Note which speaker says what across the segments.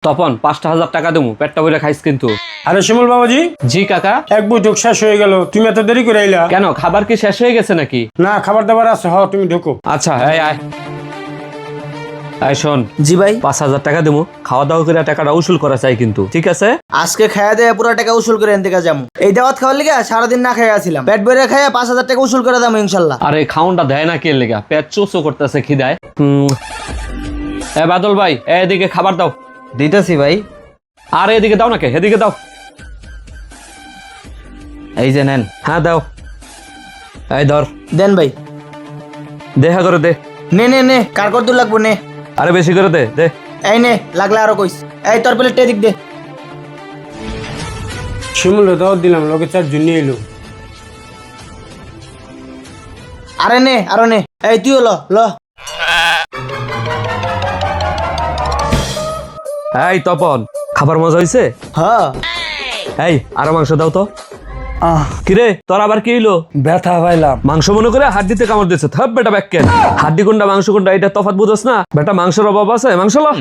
Speaker 1: তপন 5,000 টাকা দেবো, পেটটা বইরা খাইস কিন্তু।
Speaker 2: আরে শিমুল বাবাজি,
Speaker 1: জি কাকা।
Speaker 2: এক বৈঠক শেষ হয়ে গেল, তুমি এত দেরি করে আইলা
Speaker 1: কেন, খাবার কি শেষ হয়ে গেছে নাকি?
Speaker 2: না, খাবার দাবার আছে। তুমি ঢোকো।
Speaker 1: আচ্ছা, এই আয় আয়, শোন।
Speaker 3: জি ভাই।
Speaker 1: 5,000 টাকা দেবো, খাওয়া দাওয়া করে টাকাটা উসুল করা চাই কিন্তু, ঠিক আছে?
Speaker 3: আজকে খাইয়া দেয়া পুরো টাকা উসুল করে এনতে যাবো। এই দাওয়াত খাওয়ার লিগে সারাদিন না খাইয়া ছিলাম, পেট ভরে খাইয়া 5,000 টাকা উসুল করে দাম ইনশাল্লাহ।
Speaker 1: আরে খাউনটা দেয় না কে লেগা, পেট চোচো করতেছে খিদায়। এ বাদল ভাই, এদিকে খাবার দাও।
Speaker 4: দিতেছি ভাই।
Speaker 1: আর এদিকে দাও নাকি, এদিকে দাও।
Speaker 4: এই যে নেন।
Speaker 1: হ্যাঁ দাও। এই ধর,
Speaker 3: দেন ভাই।
Speaker 1: দেখা করে দে।
Speaker 3: নে নে নে, কার কত দূর লাগবো নে।
Speaker 1: আরে বেশি করে দে দে।
Speaker 3: এই নে, লাগলে আরো কইস। এই তোর প্লেট এদিক দে।
Speaker 2: শিমুল দাওয়াত দিলাম, লোকে 4 জন নিয়ে এলো।
Speaker 3: আরে নে, আরো নে। এই তুইও ল ল।
Speaker 1: এই তপন, খাবার মজা হইছে?
Speaker 3: হ্যাঁ।
Speaker 1: এই আরো মাংস দাও তো। কিরে তোর আবার কি হইলো?
Speaker 4: ব্যথা পাইলাম।
Speaker 1: মাংস মনে করে হাড্ডিতে কামড় দিচ্ছে। থাপ বেটা ব্যাককেন, হাড্ডি কোনটা মাংস কোনটা এটা তফাৎ বুঝছ না বেটা? মাংসের অভাব আছে, মাংস ল।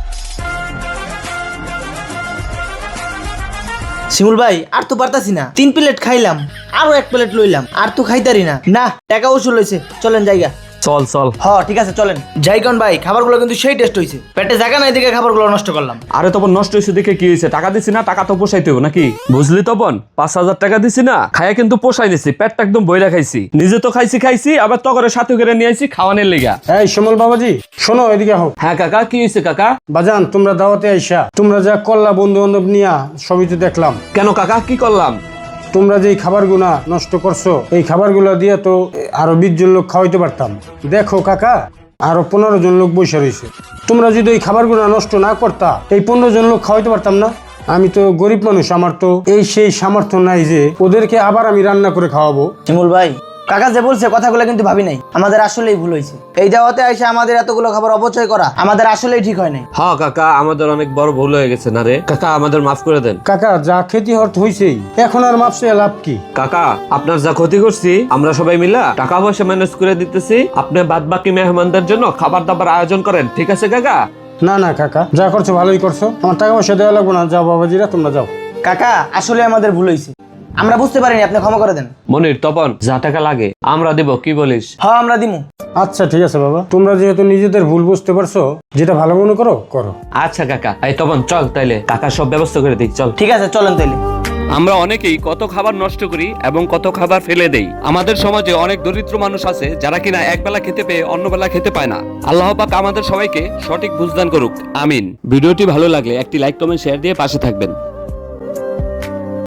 Speaker 3: শিমুল ভাই, আর তো পারতাছি না। 3 প্লেট খাইলাম, আরো 1 প্লেট লইলাম, আর তো খাইতারি না। না, টাকা উসুল হইছে, চলেন জায়গা।
Speaker 1: চল চল।
Speaker 3: ঠিক আছে চলেন যাই। কোন ভাই, খাবারগুলো কিন্তু সেই টেস্ট হইছে। পেটে জায়গা নাই দিকে খাবারগুলো নষ্ট করলাম।
Speaker 1: আরে তপন, নষ্ট হয়েছে দেখে কি হয়েছে? টাকা দিছি না, টাকা তো পোষাইতে হবে নাকি? বুঝলি তপন, 5,000 টাকা দিছি না, খাইয়া কিন্তু পোষাই নিছি, পেটটা একদম বইরা খাইছি। নিজে তো খাইছি, আবার তগরে সাথে করে নিয়ে আইছি খাওয়ানোর লেগা।
Speaker 2: এই শিমুল বাবাজি, শোনো, এদিকে হোক।
Speaker 1: হ্যাঁ কাকা, কি হয়েছে কাকা?
Speaker 2: বাজান, তোমরা দাওয়াতে আইসা তোমরা যা করলা বন্ধু বান্ধব নিয়া, সবই তো দেখলাম।
Speaker 1: কেন কাকা, কি করলাম?
Speaker 2: তোমরা যে খাবারগুলা নষ্ট করছো, এই খাবারগুলা দিয়ে তো আরো 20 জন লোক খাওয়াইতে পারতাম। দেখো কাকা, আরো 15 জন লোক বসে রয়েছে। তোমরা যদি এই খাবারগুলা নষ্ট না করতা, এই 15 জন লোক খাওয়াইতে পারতাম না। আমি তো গরিব মানুষ, আমার তো এই সেই সামর্থ্য নাই যে ওদেরকে আবার আমি রান্না করে খাওয়াবো।
Speaker 3: শিমুল ভাই, কাকা যে বলছে কথাগুলো কিন্তু ভাবি নাই। আমাদের আসলেই ভুল হয়েছে। এই দাওয়াতে আইসা আমাদের এতগুলো খাবার অপচয় করা আমাদের আসলেই ঠিক হয় নাই।
Speaker 1: হ্যাঁ কাকা, আমাদের অনেক বড় ভুল হয়ে গেছে না রে কাকা, আমাদের মাফ করে দেন।
Speaker 2: কাকা, যা ক্ষতি হইছেই, এখন আর মাপসে লাভ কি?
Speaker 1: কাকা, আপনার যা ক্ষতি করছি আমরা সবাই মিলা টাকা পয়সা ম্যানেজ করে দিতেছি। আপনি বাদ বাকি মেহমানদের জন্য খাবার দাবার আয়োজন করেন, ঠিক আছে কাকা?
Speaker 2: না না কাকা, যা করছো ভালোই করছো, আমার টাকা পয়সা দেওয়া লাগবো না। যাও বাবাজিরা, তোমরা যাও।
Speaker 3: কাকা, আসলে আমাদের ভুল হয়েছে, আমরা বুঝতে পারিনি, আপনি ক্ষমা করে দেন।
Speaker 1: মনির, তপন, যা টাকা লাগে আমরা দিব, কি বলিস?
Speaker 3: হ্যাঁ, আমরা দিমু।
Speaker 2: আচ্ছা ঠিক আছে বাবা, তোমরা যেহেতু নিজেদের ভুল বুঝতে পারছো, যেটা ভালো মনে করো করো।
Speaker 1: আচ্ছা কাকা। এই তপন চল, তাইলে কাকা সব ব্যবস্থা করে দিই, চল।
Speaker 3: ঠিক আছে চলেন তাইলে।
Speaker 1: আমরা অনেকেই কত খাবার নষ্ট করি এবং কত খাবার ফেলে দেই। আমাদের সমাজে অনেক দরিদ্র মানুষ আছে যারা কিনা একবেলা খেতে পেয়ে অন্য বেলা খেতে পায় না। আল্লাহ পাক আমাদের সবাইকে সঠিক বুঝদান করুক, আমিন। ভিডিওটি ভালো লাগলে একটি লাইক কমেন্ট শেয়ার দিয়ে পাশে থাকবেন।